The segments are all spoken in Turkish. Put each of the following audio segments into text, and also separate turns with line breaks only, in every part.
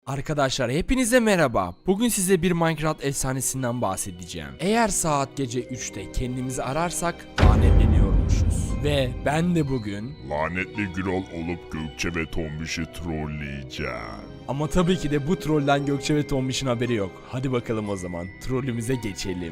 Arkadaşlar hepinize merhaba. Bugün size bir Minecraft efsanesinden bahsedeceğim. Eğer saat gece 3'te kendimizi ararsak lanetleniyormuşuz. Ve ben de bugün...
Lanetli Gürol olup Gökçe ve Tombiş'i trolleyeceğim.
Ama tabii ki de bu trollden Gökçe ve Tombiş'in haberi yok. Hadi bakalım o zaman trollümüze geçelim.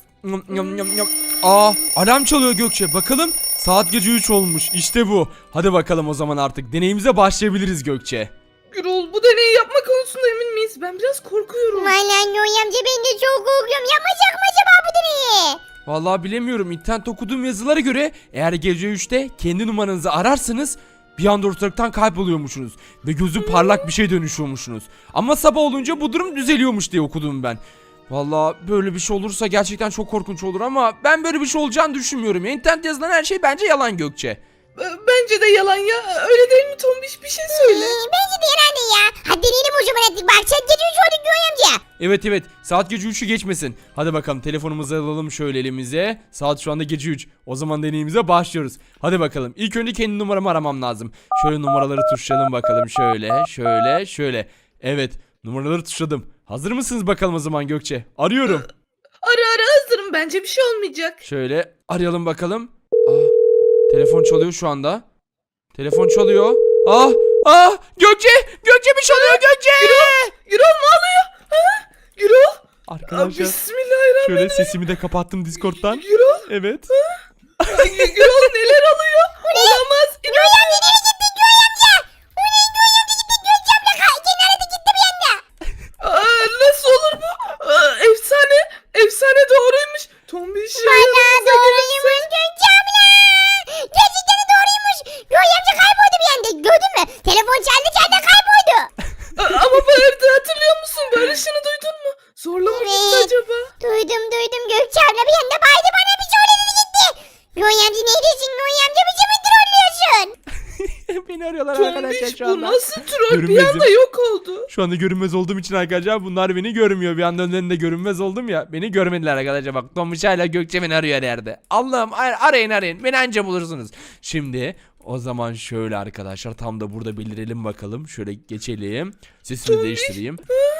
Alarm çalıyor Gökçe. Bakalım saat gece 3 olmuş. İşte bu. Hadi bakalım o zaman artık deneyimize başlayabiliriz Gökçe.
Gürol, bu deneyi yapma konusunda emin miyiz? Ben biraz korkuyorum.
Vallahi Noy amca ben de çok korkuyorum. Yapmayacak mı acaba bu deneyi?
Vallahi bilemiyorum. İnternet okuduğum yazılara göre eğer gece 3'te kendi numaranızı ararsanız bir anda ortalıktan kayboluyormuşsunuz. Ve gözü parlak bir şey dönüşüyormuşsunuz. Ama sabah olunca bu durum düzeliyormuş diye okudum ben. Vallahi böyle bir şey olursa gerçekten çok korkunç olur ama ben böyle bir şey olacağını düşünmüyorum. İnternet yazılan her şey bence yalan Gökçe.
Bence de yalan ya. Öyle değil mi Tombiş? Bir şey söyle.
Bence de herhalde ya. Hadi deneyelim o zaman artık. Bak sen gece 3 olduk Noy amca.
Evet saat gece 3'ü geçmesin. Hadi bakalım telefonumuzu alalım şöyle elimize. Saat şu anda gece 3. O zaman deneyimize başlıyoruz. Hadi bakalım ilk önce kendi numaramı aramam lazım. Şöyle numaraları tuşlayalım bakalım şöyle. Evet numaraları tuşladım. Hazır mısınız bakalım o zaman Gökçe? Arıyorum.
Ara hazırım. Bence bir şey olmayacak.
Şöyle arayalım bakalım. Telefon çalıyor şu anda. Telefon çalıyor. Gökçe bir şey oluyor Gökçe.
Gürol ne oluyor? Ha? Gürol?
Arkadaşlar
Bismillahirrahmanirrahim.
şöyle sesimi de kapattım Discord'dan.
Gürol?
Evet.
Gürol neler oluyor? Olamaz.
Noy amca nereye gittin Noy amca? O ne Noy amca gittin Gökçe abla. Kenara da gitti bir anda.
Nasıl olur bu? Efsane doğruymuş. Tombiş
Valla doğruymuş Gökçe abla. Gerçekten de doğruymuş. Noy amca kayboldu bir anda. Gördün mü? Telefon çaldı kayboldu.
Ama bu evde hatırlıyor musun? Barış'ını duydun mu? Zorla mı gitti
Evet.
acaba?
Duydum Gökçe abla bir anda baydı bana bir söyledi gitti. Noy amca neredesin Noy amca bizi mi trollüyorsun?
Beni arıyorlar arkadaşlar
Tombiş
şu
bu
anda.
nasıl troll? Bir
Görünmezim.
anda yok oldu.
Şu anda görünmez olduğum için arkadaşlar bunlar beni görmüyor. Bir anda önlerinde görünmez oldum ya. Beni görmediler arkadaşlar. Bak Tomuş hala Gökçe beni arıyor her yerde. Allah'ım arayın. Beni anca bulursunuz. Şimdi o zaman şöyle arkadaşlar tam da burada belirelim bakalım. Şöyle geçelim. Sesimi değiştireyim.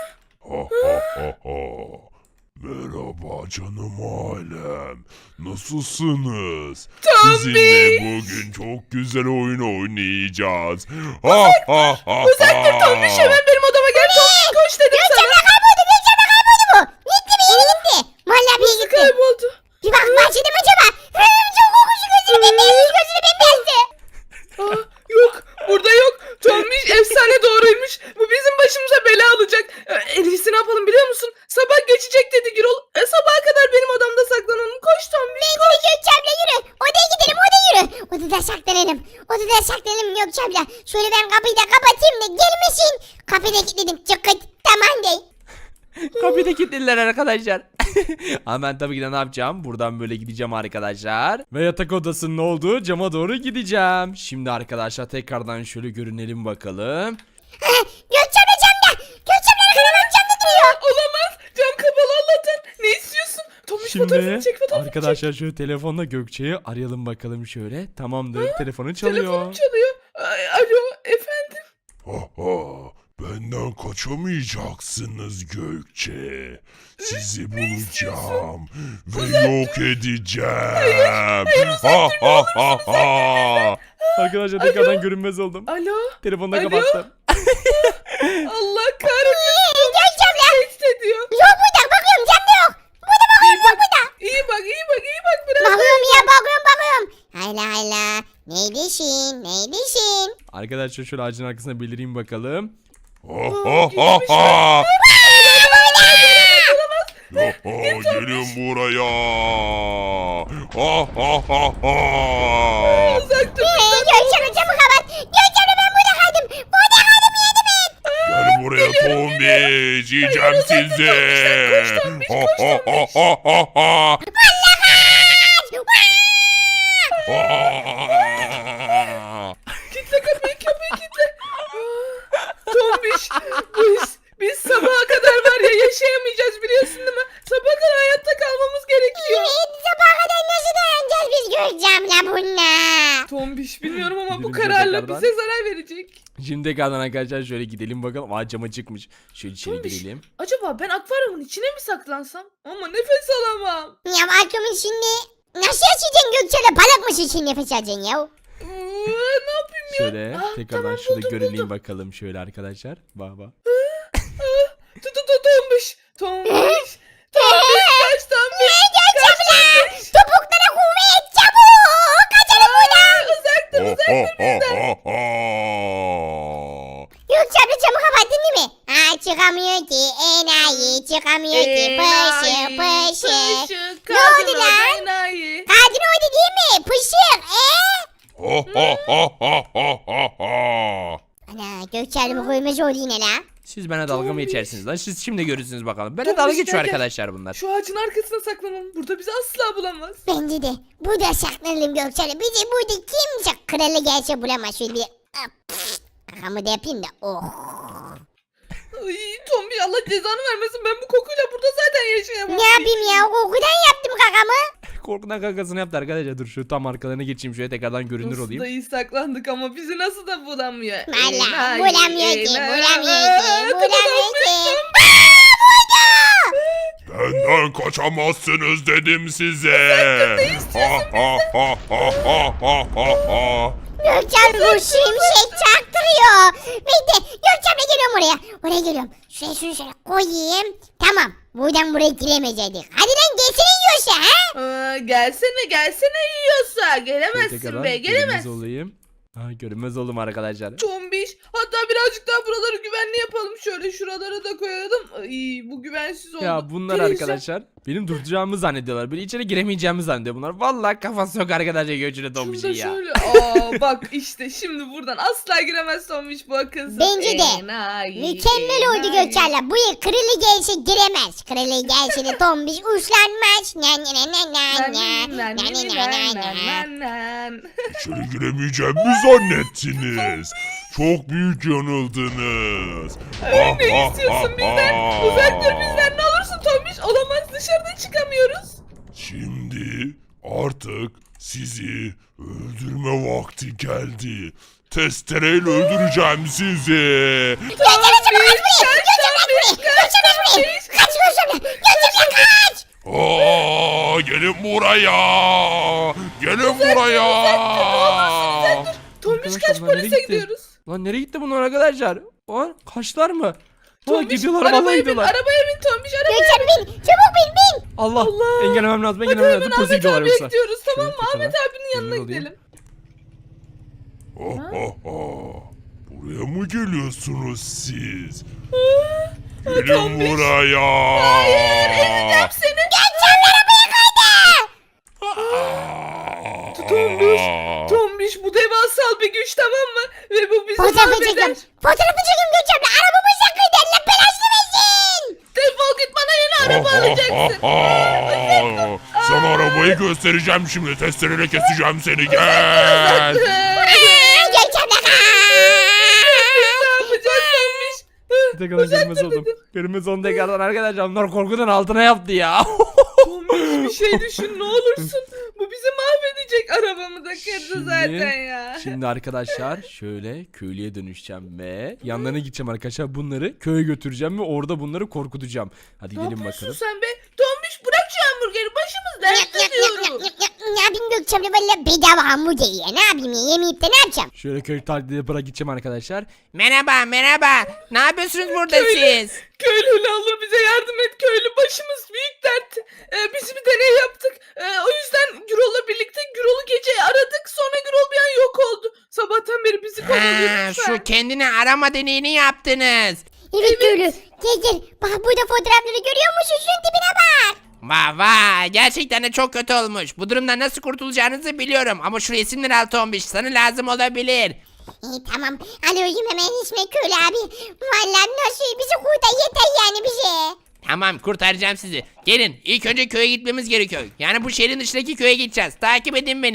Merhaba canım ailem. Nasılsınız? Sizinle bugün çok güzel oyun oynayacağız.
Uzak dur Tombiş, hemen benim odama gel. Tombiş koş dedim
Gökçe
sana.
abla kayboldu bu. Gitti bir yere gitti. Valla bir yere
Nasıl
gitti.
kayboldu?
Bir bak başladım acaba. Çok korkunç gözünü bembeyazdı.
Yok burada yok. Tombiş efsane doğruymuş. Bu bizim başımıza bela alacak. En iyisi ne yapalım biliyor musun? Sabah geçecek dedi Gürol. Sabaha kadar benim odamda saklanalım. Koş Tombiş.
Bence de Gökçe abla yürü. Odaya gidelim yürü. Odada saklanalım Gökçe abla. Şöyle ben kapıyı da kapatayım da gelmesin. Kapıyı da kilitledim. Çıkıt. Tamam değil.
Kapıyı da kilitlediler arkadaşlar. Ama ben tabii ki de ne yapacağım? Buradan böyle gideceğim arkadaşlar. Ve yatak odasının olduğu cama doğru gideceğim. Şimdi arkadaşlar tekrardan şöyle görünelim bakalım.
Gökçe abla camda. Gökçe abla arkadan camda duruyor.
Olamaz. Cam kapalı Allah'tan. Ne istiyorsun? Tombiş fotoğrafını çek fotoğrafını çek.
Arkadaşlar şöyle telefonla Gökçe'yi arayalım bakalım şöyle. Tamamdır. Telefonu çalıyor.
Telefonum çalıyor. Alo efendim.
Benden kaçamayacaksınız Gökçe. Sizi bulacağım ve yok edeceğim.
Arkadaşlar tekrardan görünmez oldum.
Alo.
Telefonu da
Alo?
kapattım.
Allah kahretsin.
Gökçe abla.
Tehdit ediyor.
Yok burada bakıyorum camda yok. Burada bakıyorum yok burada.
İyi bak biraz.
Bakıyorum ya bakıyorum. Hayla. Neydesin?
Arkadaşlar şöyle ağacın arkasına belireyim bakalım.
Gelin buraya.
Uzak dur.
Gökçe abla camı kapat. Gökçe abla ben burada kaldım. Yardım et.
Gel buraya Tombiş. Yiyeceğim sizi.
Kitle kapıyı kitle. Tombiş biz sabaha kadar var ya yaşayamayacağız biliyorsun değil mi? Sabaha kadar hayatta kalmamız gerekiyor.
Evet sabaha kadar nasıl dayanacağız biz Gökçe abla bununla?
Tombiş bilmiyorum ama bu
Gidelim
kararla
tekrardan.
bize zarar verecek.
Şimdi tekrardan arkadaşlar şöyle gidelim bakalım. Aa cama çıkmış. Şöyle içeri
Tombiş,
girelim.
acaba ben akvaryumun içine mi saklansam? Ama nefes alamam.
Ya aklımın şimdi nasıl yaşayacaksın Gökçen'le balık mısın şimdi nefes alacaksın ya?
Ne yapayım ya?
Şöyle
Ah,
tekrardan
tamam,
şurada
buldum,
görüneyim
buldum.
bakalım şöyle arkadaşlar. Bak bak.
Tombiş. Tombiş. Tombiş kaç Tombiş.
Gökçen'le topuklara kuvvet çabuk kaçalım buradan.
Uzak dur uzak dur.
Gökçen'le camı kapattın değil mi? Ha çıkamıyor ki enayi çıkamıyor ki pışı pışı. Ne oldu lan?
Enayi.
Kadın oydu değil mi? Pışık Ana Gökçen'le koymaz oldu yine la.
Siz bana dalga mı
Tombiş.
geçersiniz lan? Siz şimdi görürsünüz bakalım. Bana
Tombiş,
dalga geçiyor
gel, gel.
arkadaşlar bunlar.
Şu ağacın arkasına saklanalım. Burada bizi asla bulamaz.
Bence de. Burada saklanalım Gökçen'le. Bizi burada kimse kralı gelse bulamaz. Şöyle bir... Kakamı da yapayım da. Oh.
Ay Tombiş Allah cezanı vermesin. Ben bu kokuyla burada zaten yaşayamam.
Ne yapayım ya? Kokudan yaptım kakamı.
Korkudan kakasını yaptı arkadaşlar. Dur şu tam arkalarına geçeyim şöyle tekrardan görünür
Nasıl
olayım.
da iyi saklandık ama bizi nasıl da bulamıyor.
Valla
Enayi,
bulamıyor ki.
enayi.
Bulamıyor ki. Bulamıyor ki.
Benden kaçamazsınız dedim size.
Gökçen bu şimşek çaktırıyor. Bekle. Gökçen'le geliyorum oraya. Oraya geliyorum. Şuraya şunu şöyle koyayım. Tamam. Buradan buraya giremeyecektik. Hadi lan gelsene yiyorsa ha.
Gelsene yiyorsa.
Şöyle
Gelemezsin
tekrardan
be
görünmez
gelemezsin.
olayım. Ha görünmez oldum arkadaşlar.
Tombiş. Hatta birazcık daha buraları güvenli yapalım. Şöyle şuralara da koyalım. Ay bu güvensiz oldu.
Ya bunlar
Televizyon-
arkadaşlar benim duracağımı zannediyorlar. Böyle içeri giremeyeceğimi zannediyor bunlar. Vallahi kafası yok arkadaşlar göçüne
Şunu
Tombiş'in
da
ya.
şöyle. Bak işte şimdi buradan asla giremez Tombiş bu akılsız.
Bence de.
Enayi,
Mükemmel oldu
enayi.
Gökçen'le. Bu yıl kralı gelse giremez. Kralı gelse de tombiş uçlanmaz. Na na na na na na. Na na na na na.
İçeri giremeyeceğimi zannettiniz. Çok büyük yanıldınız.
Ne istiyorsun bizden? Uzak dur bizden ne olursun Tombiş. Olamaz dışarıda çıkamıyoruz.
Şimdi artık sizi öldürme vakti geldi. Testereyle öldüreceğim sizi.
Gökçen çabuk kaç buraya. Gökçen kaç buraya. Gökçen kaç buraya. Kaç Gökçen. Gökçen kaç.
Gelin buraya. Gelin buraya.
Tombiş
Arkadaşlar
kaç
bunlar nereye
polise
gitti?
gidiyoruz.
Lan nereye gitti bunlar arkadaşlar? Lan kaçlar mı? Ha
Tombiş
gidiyorlar vallahi
arabaya bin.
gidiyorlar.
Arabaya bin Tombiş arabaya.
Gökçen bin. Çabuk bin.
Allah,
Allah.
engellemem lazım
Hadi
engellemem
hemen
lazım. Polise
Ahmet
gidiyorlar
abiye
yoksa.
gidiyoruz tamam mı?
Şöyle
Ahmet
tekrardan
abinin yanına
emin olayım.
gidelim.
Buraya mı geliyorsunuz siz?
Tombiş.
Gelin buraya.
Ezeceğim seni.
Gökçen arabaya kaydı.
Tombiş. Tombiş bu devasal bir güç tamam mı? Ve bu bizi
Fotoğrafı
mahveder.
çekiyorum. Fotoğrafı çekiyorum Gökçen'le. Arabamıza kaydı. Allah belasını versin.
Defol git bana yeni araba alacaksın.
Sana arabayı göstereceğim şimdi. Testereyle keseceğim seni. Gel.
Gökçen'le kaç.
Ne yapacağız Tombiş?
Tekrardan görünmez oldum. Görünmez oldum tekrardan arkadaşlar. Bunlar korkudan altına yaptı ya.
Tombiş bir şey düşün ne olursun. Bu bizi mahvedecek. Arabamı da kırdı zaten ya.
Şimdi arkadaşlar şöyle köylüye dönüşeceğim ve yanlarına gideceğim arkadaşlar. Bunları köye götüreceğim ve orada bunları korkutacağım. Hadi
Ne
gidelim
yapıyorsun
bakalım.
sen be? Tombiş bırak şu hamburgeri başımız dertte diyoruz.
Ne yapayım Gökçen'le valla bedava hamburger ya. Ne yapayım ya yemeyip de ne yapacağım?
Şöyle köy taklidi bırak gideceğim arkadaşlar.
Merhaba merhaba. Ne yapıyorsunuz burada siz?
Köylü ne olur bize yardım et köylü başımız büyük dert. Biz bir deney yaptık. O yüzden Gürol'la birlikte Gürol'u gece aradık. Sonra Gürol bir an yok oldu. Sabahtan beri bizi kovalıyor
Ha,
lütfen.
şu kendini arama deneyini yaptınız.
Evet köylü. Gel. Bak burada fotoğrafları görüyor musun? Şunun tipine bak.
Vay vay gerçekten de çok kötü olmuş. Bu durumdan nasıl kurtulacağınızı biliyorum. Ama şu resimleri al Tombiş sana lazım olabilir.
İyi tamam. Alıyorum hemen ismi köylü abi. Valla nasıl bizi kurtar yeter yani bize.
Tamam kurtaracağım sizi. Gelin ilk önce köye gitmemiz gerekiyor. Yani bu şehrin dışındaki köye gideceğiz. Takip edin beni.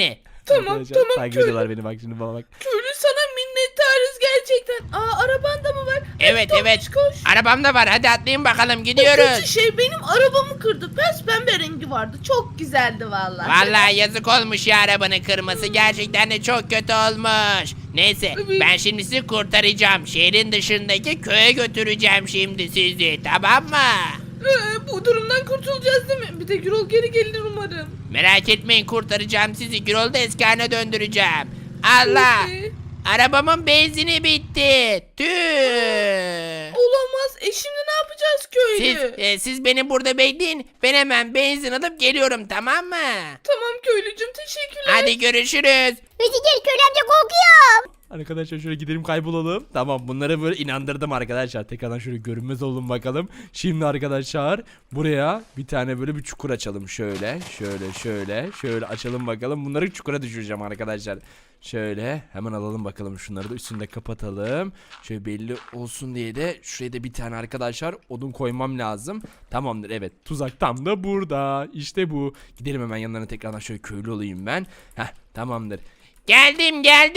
Tamam,
Arkadaşlar,
tamam,
takip
köylü.
ediyorlar beni bak şimdi bana bak.
Köylü sana minnettarız gerçekten. Araban da mı var?
Evet
Tombiş,
evet.
Koş.
Arabam da var. Hadi atlayın bakalım
Kötü
gidiyoruz.
şey benim arabamı kırdı. Pembe rengi vardı. Çok güzeldi vallahi.
Vallahi yazık olmuş ya arabanın kırması. Gerçekten de çok kötü olmuş. Neyse
Evet.
ben şimdi sizi kurtaracağım. Şehrin dışındaki köye götüreceğim şimdi sizi. Tamam mı?
Bu durumdan kurtulacağız değil mi? Bir de Gürol geri gelir umarım.
Merak etmeyin kurtaracağım sizi. Gürol'u da eski haline döndüreceğim. Allah!
Peki.
Arabamın benzini bitti. Tüh!
Olamaz. Şimdi ne yapacağız köylü?
Siz beni burada bekleyin. Ben hemen benzin alıp geliyorum tamam mı?
Tamam köylücüm, teşekkürler.
Hadi görüşürüz.
Hadi gel köylü amca korkuyorum.
Arkadaşlar şöyle gidelim kaybolalım. Tamam bunları böyle inandırdım arkadaşlar. Tekrardan şöyle görünmez olun bakalım. Şimdi arkadaşlar buraya bir tane böyle bir çukur açalım. Şöyle açalım bakalım. Bunları çukura düşüreceğim arkadaşlar. Şöyle hemen alalım bakalım şunları da üstünde kapatalım. Şöyle belli olsun diye de şuraya da bir tane arkadaşlar odun koymam lazım. Tamamdır evet tuzak tam da burada. İşte bu. Gidelim hemen yanlarına tekrardan şöyle köylü olayım ben. Heh tamamdır.
Geldim.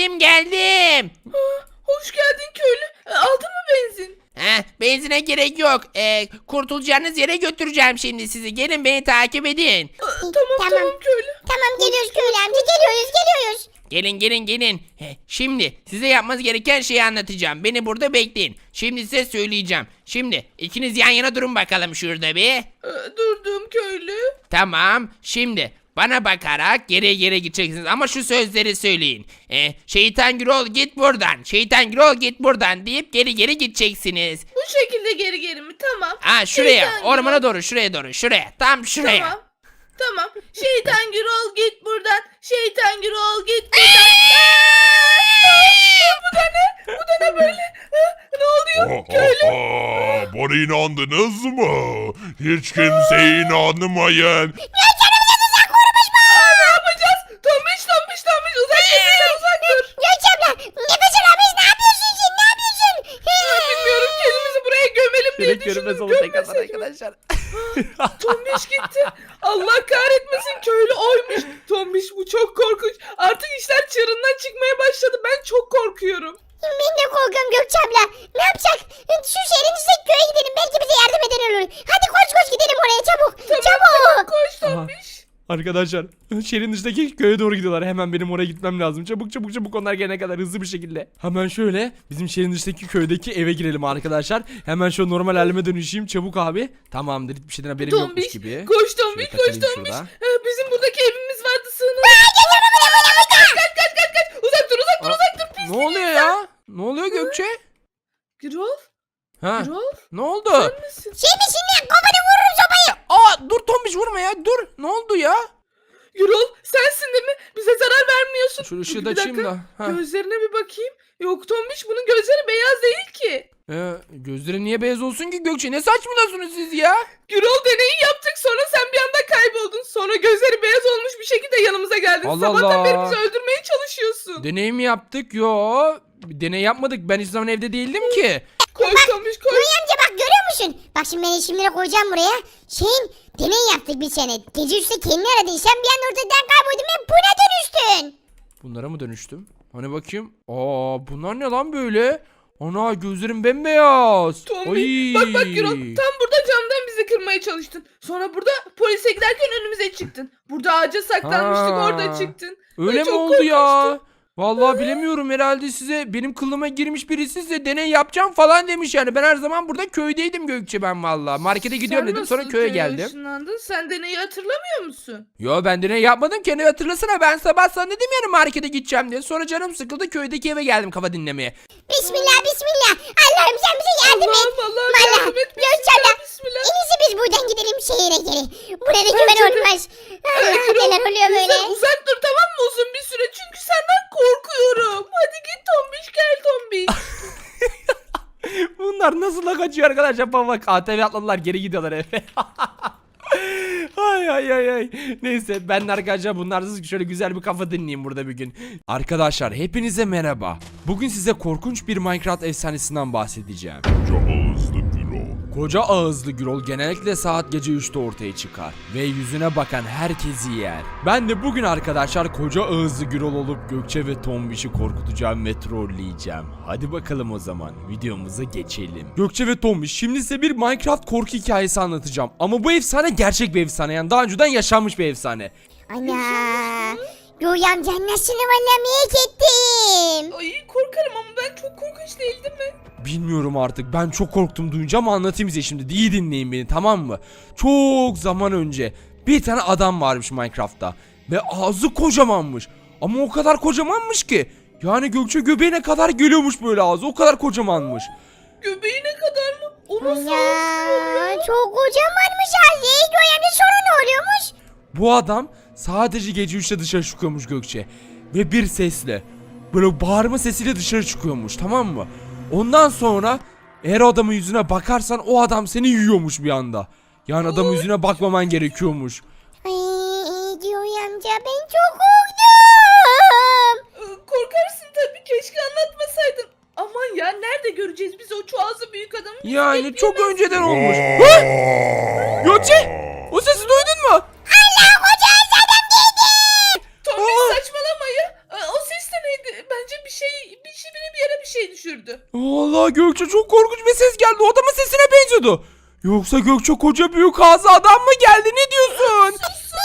Hoş geldin köylü. Aldın mı benzin?
Benzine gerek yok. Kurtulacağınız yere götüreceğim şimdi sizi. Gelin beni takip edin.
Tamam köylü.
Tamam geliyoruz köylü amca geliyoruz.
Gelin. Şimdi size yapmanız gereken şeyi anlatacağım. Beni burada bekleyin. Şimdi size söyleyeceğim. Şimdi ikiniz yan yana durun bakalım şurada bir.
Durdum köylü.
Tamam. Şimdi bana bakarak geri gideceksiniz ama şu sözleri söyleyin. Şeytan Gürol git buradan. Şeytan Gürol git buradan deyip geri gideceksiniz.
Bu şekilde geri mi? Tamam.
Şuraya
Şeytan
ormana
Gürol.
doğru şuraya. Tam şuraya.
Tamam. Şeytan Gürol git buradan. Şeytan Gürol git buradan. Bu da ne böyle? Ne oluyor?
Bana inandınız mı? Hiç kimseye inanmayın.
Ne yapacağız? Tombiş uzak dur.
Gökçe abla nefes alamayız ne yapıyorsun sen?
Bilmiyorum, kendimizi buraya gömelim diye
Direkt görünmez
düşündüm.
olun tekrardan
Gömmesek mi?
arkadaşlar.
Tombiş gitti. Allah kahretmesin, köylü oymuş. Tombiş bu çok korkunç. Artık işler çığırından çıkmaya başladı. Ben çok korkuyorum.
Ben de korkuyorum Gökçe abla. Ne yapacak? Şu şehrin dışındaki köye gidelim belki bize yardım eden olur. Hadi koş gidelim oraya çabuk. Çabuk.
Koş
Aha.
Tombiş.
Arkadaşlar şehrin dışındaki köye doğru gidiyorlar. Hemen benim oraya gitmem lazım. Çabuk onlar gelene kadar hızlı bir şekilde. Hemen şöyle bizim şehrin dışındaki köydeki eve girelim arkadaşlar. Hemen şöyle normal halime dönüşeyim. Çabuk abi. Tamamdır hiçbir şeyden haberim yokmuş
Tombiş.
gibi.
Koş Tombiş.
Şöyle kaçayım
Tombiş.
şurada.
Bizim buradaki evimiz vardı, sığınalım. Kaç. Uzak dur. Pis.
Ne oluyor ya? Ne oluyor Gökçe?
Gürol.
Ha?
Gürol.
Ne oldu?
Misin?
Şey misin lan kafanı vururum sopayı.
Dur Tombiş vurma ya. Dur. Ne oldu ya?
Gürol, sensin değil mi? Bize zarar vermiyorsun.
Şu ışığı
Bir
da açayım
dakika,
da. Ha.
Gözlerine bir bakayım. Yok Tombiş, bunun gözleri beyaz değil ki.
Gözleri niye beyaz olsun ki Gökçe? Ne saçmalıyorsunuz siz ya?
Gürol, deneyi yaptık, sonra sen bir anda kayboldun. Sonra gözleri beyaz olmuş bir şekilde yanımıza geldin.
Allah
Sabahtan
Allah.
beri bizi öldürmeye çalışıyorsun.
Deney mi yaptık? Yo. Deney yapmadık. Ben hiç zaman evde değildim ki.
Koş Tombiş koş.
Nuri amca bak görüyor musun? Bak şimdi ben isimleri koyacağım buraya. Deney yaptık bir sene. Gece üstü kendini aradın. Sen bir anda ortadan kayboldun ve buna dönüştün.
Bunlara mı dönüştüm? Hani bakayım. Bunlar ne lan böyle? Ana gözlerim bembeyaz.
Tombiş bak Gürol, tam burada camdan bizi kırmaya çalıştın. Sonra burada polise giderken önümüze çıktın. Burada ağaca saklanmıştık,
Ha.
orada çıktın.
Öyle mi
çok
oldu ya?
korkunçtu.
Vallahi bilemiyorum herhalde size benim kılıma girmiş birisi size deney yapacağım falan demiş yani. Ben her zaman burada köydeydim Gökçe ben vallahi. Markete gidiyorum
Sen
dedim sonra
nasıl
köye
köye
geldim.
ışınlandın? Sen deneyi hatırlamıyor musun?
Yo ben deney yapmadım kendi hatırlasana ben sabah sana dedim yani markete gideceğim diye. Sonra canım sıkıldı köydeki eve geldim kafa dinlemeye.
Bismillah. Allah'ım sen bize yardım et.
Allah'ım
Vallahi
yardım et.
Gökçe abla.
Bismillah.
En iyisi biz buradan gidelim şehire geri. Burada güven
Bence de.
olmaz. Allah
Gürol,
neler oluyor böyle.
bizden uzak dur tamam mı uzun bir süre, çünkü senden korkuyorum. Hadi git Tombiş, gel Tombiş.
Bunlar nasıl da kaçıyor arkadaşlar bak ATV atladılar geri gidiyorlar eve. Ay. Neyse ben de arkadaşlar bunlarsız şöyle güzel bir kafa dinleyeyim burada bir gün. Arkadaşlar hepinize merhaba. Bugün size korkunç bir Minecraft efsanesinden bahsedeceğim.
Ağızlı Gürol.
Koca ağızlı Gürol genellikle saat gece 3'te ortaya çıkar ve yüzüne bakan herkesi yer. Ben de bugün arkadaşlar koca ağızlı Gürol olup Gökçe ve Tombiş'i korkutacağım ve trolleyeceğim. Hadi bakalım o zaman videomuza geçelim. Gökçe ve Tombiş, şimdi size bir Minecraft korku hikayesi anlatacağım. Ama bu efsane gerçek bir efsane, yani daha önceden yaşanmış bir efsane.
Ana. Göğe amca nasıl valla merak ettim.
Ay korkarım ama ben çok korkunç değildim mi?
Bilmiyorum artık, ben çok korktum duyunca ama anlatayım size şimdi. İyi dinleyin beni, tamam mı? Çok zaman önce bir tane adam varmış Minecraft'ta ve ağzı kocamanmış. Ama o kadar kocamanmış ki yani Gökçe göbeğine kadar geliyormuş böyle ağzı, o kadar kocamanmış.
Göbeğine kadar mı? O nasıl
Ya çok kocamanmış Ali. Göğe amca sonra ne oluyormuş?
Bu adam sadece gece 3'te dışarı çıkıyormuş Gökçe ve bir sesle, böyle bağırma sesiyle dışarı çıkıyormuş, tamam mı? Ondan sonra eğer adamın yüzüne bakarsan o adam seni yiyormuş bir anda. Yani adamın yüzüne bakmaman gerekiyormuş.
Ay Göğe amca ben çok korktum.
Korkarsın tabii, keşke anlatmasaydın. Aman ya, nerede göreceğiz biz o çuazı büyük adamı? Bizi
Yani
bekleyemez.
çok önceden olmuş. Ha? Gökçe! O sesi duydun mu?
Allah koca adam geldi.
Tombiş saçmalama ya. O ses de neydi? Bence biri bir yere bir şey düşürdü.
Vallahi Gökçe çok korkunç bir ses geldi. O adamın sesine benziyordu. Yoksa Gökçe koca büyük ağzı adam mı geldi? Ne diyorsun?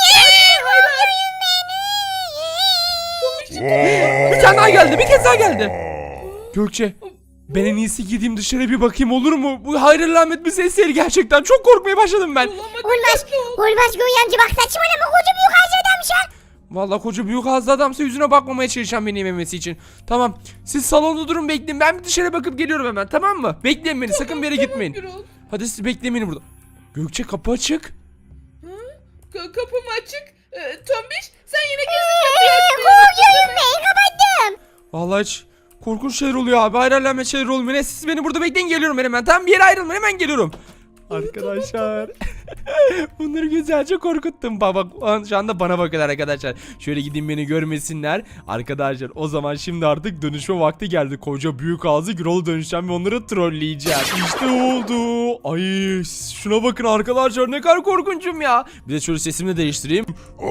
Bir tane daha geldi. Bir kez daha geldi. Gökçe, ben en iyisi gideyim dışarı bir bakayım, olur mu? Bu hayır alamet bir ses değil gerçekten. Çok korkmaya başladım ben.
Olmaz. Olmaz Göğe amca, bak saçmalama, koca büyük ağzı adammış ha.
Vallahi koca büyük ağızlı adamsa yüzüne bakmamaya çalışacağım beni yememesi için. Tamam. Siz salonda durun, bekleyin. Ben bir dışarı bakıp geliyorum hemen, tamam mı? Bekleyin beni. Sakın bir yere gitmeyin.
Gürol.
Hadi siz bekleyin beni burada. Gökçe, kapı açık.
Kapım açık. Tombiş sen yine kesin kapıyı açtın.
Korkuyorum ben, kapattım.
Vallahi hiç korkunç şeyler oluyor abi. Hayır alamet şeyler oluyor. Ne, siz beni burada bekleyin, geliyorum ben hemen. Tamam, bir yere ayrılmayın, hemen geliyorum. Arkadaşlar. Bunları güzelce korkuttum. Bak şu anda bana bakıyorlar arkadaşlar. Şöyle gideyim, beni görmesinler. Arkadaşlar o zaman şimdi artık dönüşme vakti geldi. Koca büyük ağzı Gürol'a dönüşeceğim ve onları trolleyeceğim. İşte oldu. Ay şuna bakın arkadaşlar, ne kadar korkunçum ya. Bir de şöyle sesimi de değiştireyim.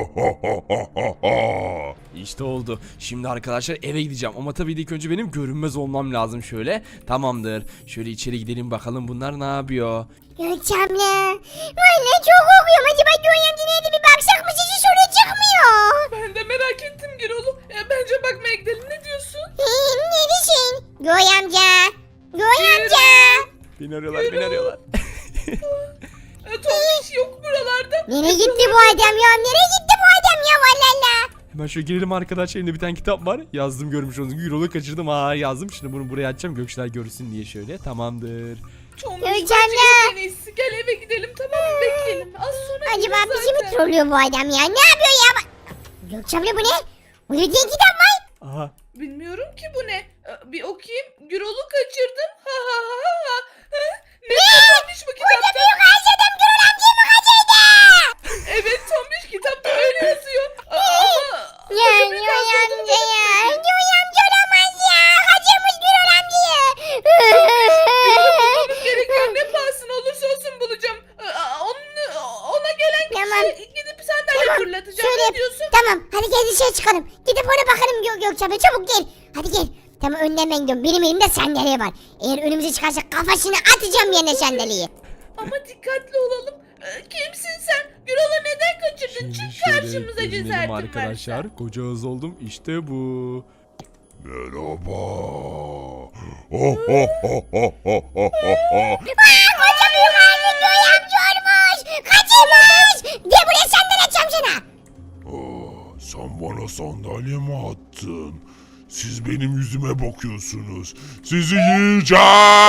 İşte oldu. Şimdi arkadaşlar eve gideceğim ama tabii ilk önce benim görünmez olmam lazım şöyle. Tamamdır. Şöyle içeri gidelim bakalım bunlar ne yapıyor.
Gökçe abla. Valla çok korkuyorum. Acaba Göğe amca neydi, bir baksak mı, hiç soru çıkmıyor.
Ben de merak ettim Gürol'u. Bence bakmaya gidelim, ne diyorsun?
Ne diyorsun? Göğe amca. Göğe amca.
Beni arıyorlar.
Tombiş yok buralarda.
Nereye gitti bu adam ya? Nereye gitti bu adam ya? Valla.
Hemen şöyle girelim arkadaşlar, elimde bir tane kitap var. Yazdım, görmüş olduğunuz gibi. Gürol'u kaçırdım. Yazdım. Şimdi bunu buraya açacağım. Gökçeler görsün diye şöyle. Tamamdır.
Tombiş
Gökçe
bence
abla.
en iyisi. Gel eve gidelim, tamam mı? Bekleyelim. Az sonra
Acaba
geliriz
bizi mi
zaten.
trollüyor bu adam ya? Ne yapıyor ya? Gökçe abla bu ne? Bu ne diye kitap var?
Aha.
Bilmiyorum ki bu ne. Bir okuyayım. Gürol'u kaçırdım. Ha ha ha ha. Ne Tombiş bu kitapta?
Büyük ağzı adam Gürol amcayı mı kaçırdı?
Evet Tombiş, kitapta öyle yazıyor. Ama
Ya
koca büyük
Göğe
ağzı olduğunu
amca ya. Göğe amca olamaz ya. Kaçırmış Gürol amcayı.
bulmamız gerekiyor. Ne pahasına olursa olsun bulacağım. Ona gelen
Tamam.
kişiye gidip sandalye fırlatacağım.
Şöyle
Ne
yap.
diyorsun?
Tamam hadi gel dışarı çıkalım. Gidip ona bakalım Gökçe abla, çabuk gel. Hadi gel. Tamam önden ben gidiyorum. Benim elimde sandalye var. Eğer önümüze çıkarsa kafasını atacağım yerine sandalyeyi.
Ama dikkatli olalım. Kimsin sen? Gürol'u neden kaçırdın? Çık karşımıza cesaretin
arkadaşlar.
varsa.
Koca ağız oldum. İşte bu.
Merhaba.
Koca büyük ağzı Göğe amca olmuş. Kaçırmış. Gel buraya sandalye atacağım sana.
Sen bana sandalye mi attın? Siz benim yüzüme bakıyorsunuz. Sizi yiyeceğim.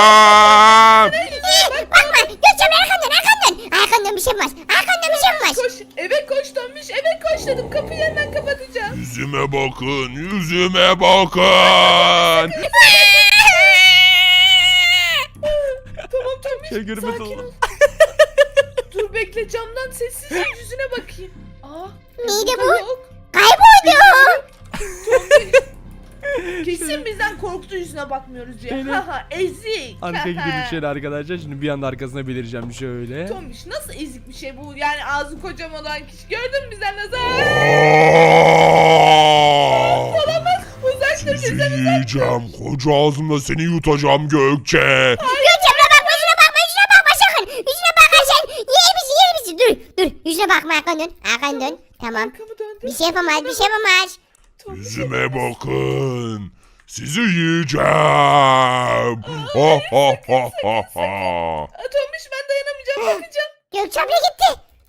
Bakma Gökçe abla, arkandan. Arkandan bir şey var. Arkandan bir şey var.
Koş, eve koş Tombiş, eve koş dedim. Kapıyı hemen kapatacağım.
Yüzüme bakın. Yüzüme bakın.
Tamam Tombiş,
Şey görünmez
sakin
oldu.
ol. Dur bekle, camdan sessizce yüzüne bakayım.
Neydi
burada
bu?
Yok.
Kayboldu.
Tombiş. Kesin bizden korktuğu yüzüne bakmıyoruz ya.
Evet.
Haha ezik.
Arka gidelim şöyle arkadaşlar. Şimdi bir anda arkasına belireceğim şöyle.
Tombiş nasıl ezik bir şey bu? Yani ağzı kocaman olan kişi. Gördün mü bizden nasıl? Olamaz. Uzak dur
Sizi
bizden.
yiyeceğim. Koca ağzımla seni yutacağım Gökçe.
Gökçem'e bakma yüzüne bakma sakın. Yüzüne bakarsan yer misin? Dur yüzüne bakma arkanı dön. Tamam.
Arkamı döndüm.
Bir şey yapamaz.
Tombiş,
Yüzüme bakın. Sizi yiyeceğim. Ha ha ha ha ha.
Tombiş ben dayanamayacağım bakacağım.
Gökçem'le gitti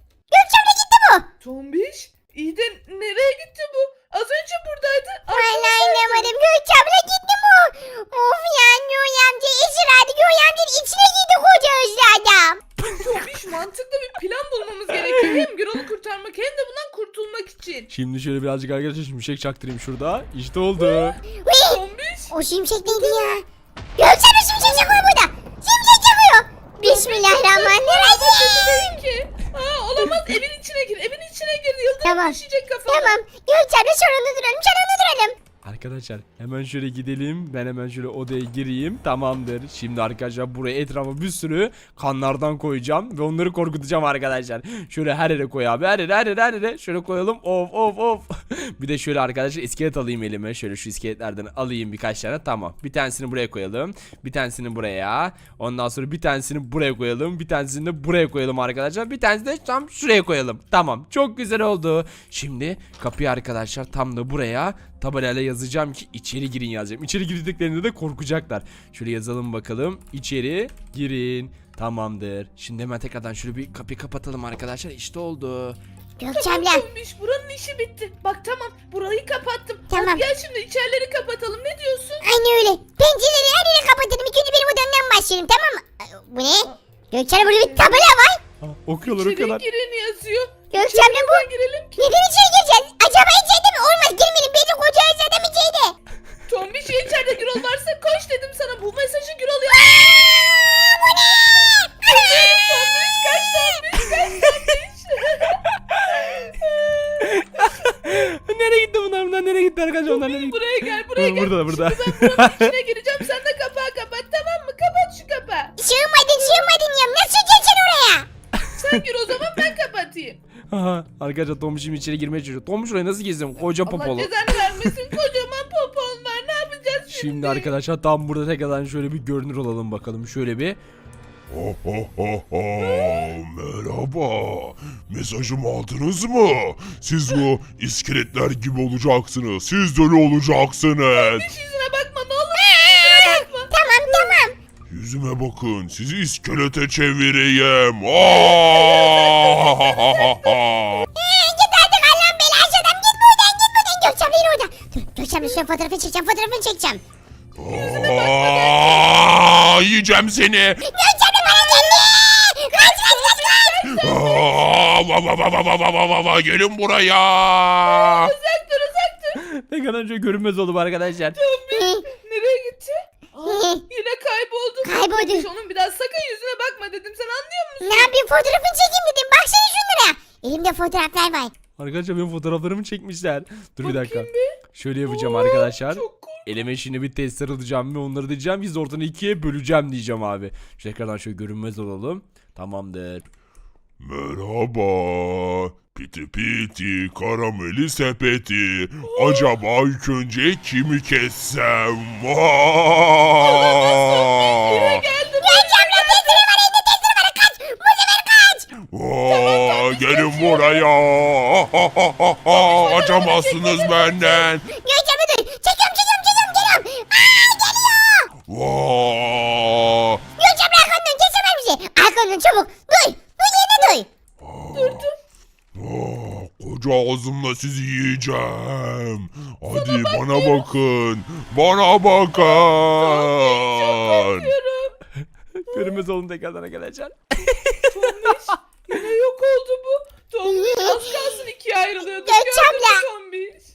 bu.
Tombiş iyi de nereye gitti bu? Az önce buradaydı.
Vallahi anlamadım. Gökçem'le gitti bu. Of ya Yoy amca esir hadi Yoy amcanın içine girdi koca özlü adam.
Tombiş mantıklı bir plan bulmamız gerekiyor. Hem Gürol'u kurtarmak hem de bundan kurtulmak için.
Şimdi şöyle birazcık arkadaşlar şimşek çaktırayım şurada. İşte oldu.
Uy,
Tombiş.
o şimşek neydi ya? Gökçem'le şimşek çakıyor burada. Şimşek çakıyor. Bismillahirrahmanirrahim.
Ki. Aa, olamaz evin içine gir. Evin içine gir. Yıldırım
Tamam.
düşecek kafana.
Tamam. Gökçem'le şurada duralım.
Arkadaşlar hemen şöyle gidelim. Ben hemen şöyle odaya gireyim. Tamamdır. Şimdi arkadaşlar buraya etrafa bir sürü kanlardan koyacağım. Ve onları korkutacağım arkadaşlar. Şöyle her yere koy abi. Her yere. Şöyle koyalım. Of. Bir de şöyle arkadaşlar iskelet alayım elime. Şöyle şu iskeletlerden alayım birkaç tane. Tamam. Bir tanesini buraya koyalım. Bir tanesini buraya. Ondan sonra bir tanesini buraya koyalım. Bir tanesini de buraya koyalım arkadaşlar. Bir tanesini de tam şuraya koyalım. Tamam. Çok güzel oldu. Şimdi kapıyı arkadaşlar tam da buraya tabelayla yazacağım ki içeri girin yazacağım. İçeri girdiklerinde de korkacaklar. Şöyle yazalım bakalım. İçeri girin. Tamamdır. Şimdi hemen tekrardan şöyle bir kapıyı kapatalım arkadaşlar. İşte oldu.
Gökçem'le.
Tombiş buranın işi bitti. Bak tamam burayı kapattım.
Tamam.
Hadi gel şimdi içerileri kapatalım. Ne diyorsun?
Aynı öyle. Pencereleri her yere kapatırım. İlk önce benim odamdan başlayalım tamam mı? Bu ne? Gökçem'le burada bir tabela var.
Okuyorlar.
İçeri girin yazıyor.
Gökçem'le bu.
Neden girelim ki?
Neden içeri gireceğiz? Acaba içeride mi? Olmaz girmeyelim. Beni koca özledim içeride.
Tombiş ya içeride Gürol varsa koş dedim sana. Bu mesajı Gürol ya.
Bu ne?
Tombiş kaç Tombiş.
Nereye gitti bunlar? Nereye gitti arkadaşlar? Onlar nereye gitti?
Buraya gel buraya gel.
Burada.
Şimdi ben buranın içine gireceğim. Sen de kapağı kapat tamam mı? Kapat şu kapağı.
Sığmadın ya. Nasıl geçeceksin oraya?
Sen gir o zaman ben kapatayım.
Aha, arkadaşlar Tombiş'im içeri girmeye çalışıyor. Tombiş oraya nasıl gezdim? Koca
Allah
popolu.
cezanı vermesin. Kocaman popon var. Ne yapacağız şimdi?
Şimdi arkadaşlar tam burada tekrardan şöyle bir görünür olalım bakalım. Şöyle bir.
Ha ha ha ha. Merhaba. Mesajımı aldınız mı? Siz bu iskeletler gibi olacaksınız. Siz de öyle olacaksınız.
Yüzüne bakma ne olur. Yüzüne bakma.
Tamam.
Yüzüme bakın. Sizi iskelete çevireyim. Ha ha ha ha.
Git artık Allah'ın belası adam. Git buradan. Gökçem'le yine orada. Dur Gökçem'le şöyle fotoğrafını çekeceğim.
Aa, yiyeceğim seni.
Gökçem'le bana geldi. Kaç.
Aa, va, va, va, va, va, va, va, va, va, gelin buraya.
Uzak dur.
Tekrardan şöyle görünmez oldum arkadaşlar.
Nereye gitti? Aa, yine kayboldu.
Kayboldu.
Tombiş, onun bir daha sakın yüzüne bakma dedim. Sen anlıyor musun?
Ne yapayım fotoğrafını çekeyim dedim. Baksana şunlara. Elimde fotoğraflar var.
Arkadaşlar benim fotoğraflarımı çekmişler. Dur bir dakika.
Bakayım bir.
Şöyle yapacağım arkadaşlar.
Çok korkunç.
Elime şimdi bir testler alacağım ve onları diyeceğim. Biz de ortadan ikiye böleceğim diyeceğim abi. Şu tekrardan şöyle görünmez olalım. Tamamdır.
Merhaba. Piti piti karameli sepeti. Acaba ilk önce kimi kessem? Aa!
Gökçem'le testleri var. Elinde testleri var. Kaç. Bu sefer kaç.
Aa, gelin buraya. Açamazsınız benden.
Gökçem'le dur. Çekiyorum. Geliyorum. Geliyor.
Vaa!
Gökçem'le arkandan kesemez bizi. Arkandan çabuk. Duy. Yerine duy.
Aa, koca ağzımla sizi yiyeceğim. Hadi bana bakın. Bana bakın.
Görünmez oldum tekrardan arkadaşlar.
Tombiş yine yok oldu bu. Tombiş az kalsın ikiye ayrılıyordu.
Gökçem'le.
Gördün mü Tombiş?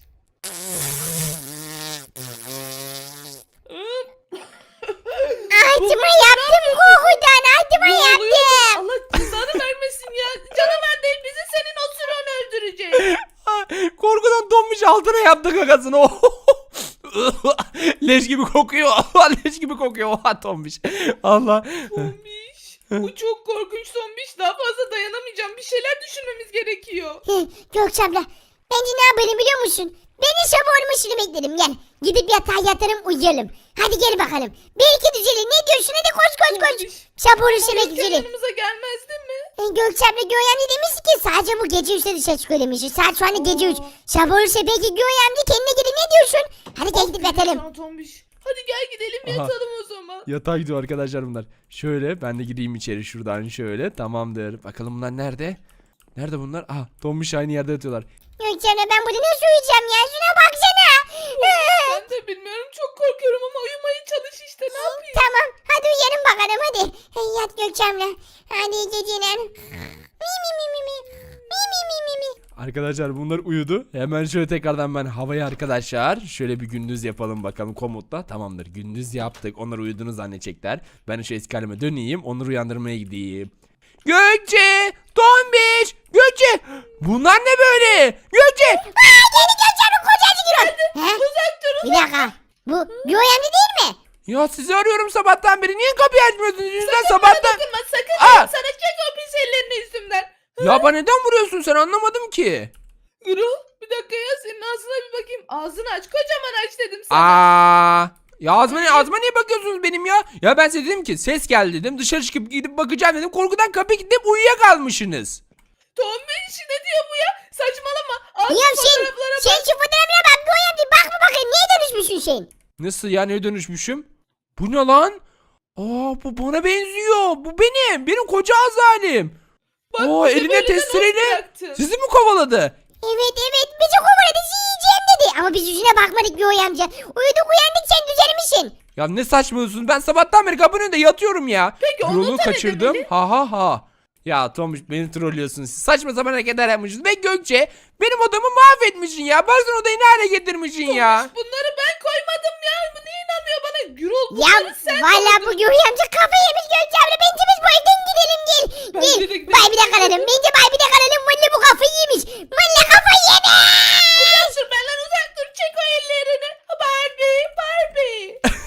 Altıma yaptım korkudan. Altıma
Ne oluyor?
yaptım.
Allah cezanı vermesin ya. Canavar değil bizi senin osuran öldürecek.
Korkudan donmuş altına yaptı kakasını. Leş gibi kokuyor. Leş gibi kokuyor. Oha Tombiş. Allah.
Tombiş. Bu çok korkunç Tombiş. Daha fazla dayanamayacağım. Bir şeyler düşünmemiz gerekiyor.
Gökçe abla bence ne yapalım biliyor musun? Ben de sabah olmasını bekledim gel. Gidip yatağa yatarım uyuyalım. Hadi gel bakalım. Belki düzelir. Ne diyorsun? Hadi koş koş koş.
Tombiş.
Sabah olursa belki
Rüzgar
düzelir.
yanımıza gelmez değil mi?
Gökçe abla Göğen demişti ki sadece bu gece 3'te dışarı çıkıyor demişti. Saat şu anda gece 3. Sabah olursa belki Göğen kendine gelir. Ne diyorsun? Hadi gel gidip yatalım.
Sana Tombiş. Hadi gel gidelim
Aha.
yatalım o zaman.
Yatağa gidiyor arkadaşlar bunlar. Şöyle ben de gideyim içeri şuradan şöyle. Tamamdır. Bakalım bunlar nerede? Nerede bunlar? Aha Tombiş aynı yerde yatıyorlar.
Gökçe abla ben burada nasıl uyuyacağım ya? Şuna baksana.
Ben de bilmiyorum çok korkuyorum ama uyumaya çalış işte ne yapayım?
Tamam hadi uyuyalım bakalım hadi. Yat Gökçe abla. Hadi iyi geceler. Mi mi mi mi mi. Mi mi mi mi mi.
Arkadaşlar bunlar uyudu. Hemen şöyle tekrardan ben havaya arkadaşlar. Şöyle bir gündüz yapalım bakalım komutla. Tamamdır gündüz yaptık. Onlar uyuduğunu zannedecekler. Ben şu eski halime döneyim. Onları uyandırmaya gideyim. Gökçe! Tombiş! Gökçe! Bunlar ne böyle? Gökçe!
Yeni Gökçe abla kocacık Gürol. He?
Uzak dur.
Bir dakika. Bu Göğen değil mi?
Ya sizi arıyorum sabahtan beri. Niye kapıyı açmıyorsunuz? Yüzden
Bana
sabahtan...
dokunma sakın.
Aa!
Sana çek o pis ellerini üstümden.
Ya bana neden vuruyorsun sen anlamadım ki.
Gürül bir dakika ya senin ağzına bir bakayım. Ağzını aç kocaman aç dedim sana.
Aa! Ya ağzıma niye bakıyorsunuz benim ya? Ya ben size dedim ki ses geldi dedim. Dışarı çıkıp gidip bakacağım dedim. Korkudan kapıya gidip uyuyakalmışsınız.
Tombiş ne diyor bu ya? Saçmalama. Al
Ya
şu
sen,
fotoğraflara
sen
bak.
şu fotoğrafına bak Göğen bir bak mı bakayım niye dönüşmüşsün sen?
Nasıl ya neye dönüşmüşüm? Bu ne lan? Aa bu bana benziyor. Bu benim. Benim koca azalim.
Bak,
Oo
bizi
eline
böyle de
testereyle
nasıl bıraktın?
sizi mi kovaladı?
Evet bizi kovaladı yiyeceğim dedi. Ama biz yüzüne bakmadık Göğen amca. Uyuduk uyandık sen düzelmişsin.
Ya ne saçmalıyorsun? Ben sabahtan beri kapının önünde yatıyorum ya.
Peki, onu
Yolu
da ne
kaçırdım.
demeli?
Ha ha ha. Ya Tomuş beni trollüyorsunuz. Siz saçma sapan hareketler yapmışsınız. Ve Gökçe benim odamı mahvetmişsin ya. Baksana odayı ne hale getirmişsin ya.
Bunları ben koymadım ya. Bu niye inanmıyor bana? Gürül
Ya
bunları sen
valla
koydun.
bu Göğen amca kafayı yemiş Gökçe abla. Bence biz bu evden gidelim gel.
Bence de
Gel
gidelim.
bay bir de kalalım. Bence bay bir de kalalım. Valla bu kafayı yemiş. Valla kafayı yemiş.
Uzak dur benden uzak dur. Çek o ellerini. Barbie Barbie.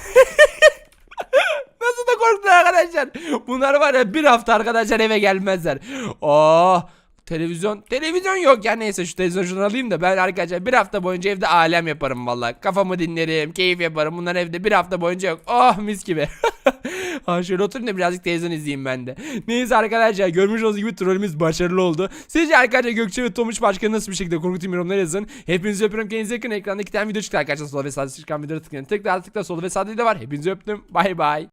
Nasıl da korktular arkadaşlar. Bunlar var ya bir hafta arkadaşlar eve gelmezler. Oh televizyon yok ya neyse şu televizyonu şunu alayım da ben arkadaşlar bir hafta boyunca evde alem yaparım vallahi. Kafamı dinlerim, keyif yaparım. Bunlar evde bir hafta boyunca yok. Oh mis gibi. Ha şöyle oturayım da birazcık televizyon izleyeyim ben de. Neyse arkadaşlar görmüş olduğunuz gibi trollümüz başarılı oldu. Sizce arkadaşlar Gökçe ve Tomuç başka nasıl bir şekilde korkutayım yorumlara yazın. Hepinizi öpüyorum. Kendinize yakın ekranda 2 tane video çıktı arkadaşlar. Sola ve sağda çıkan videoları tıklayın. Tıkla sol ve sağda da var. Hepinizi öptüm. Bay bay.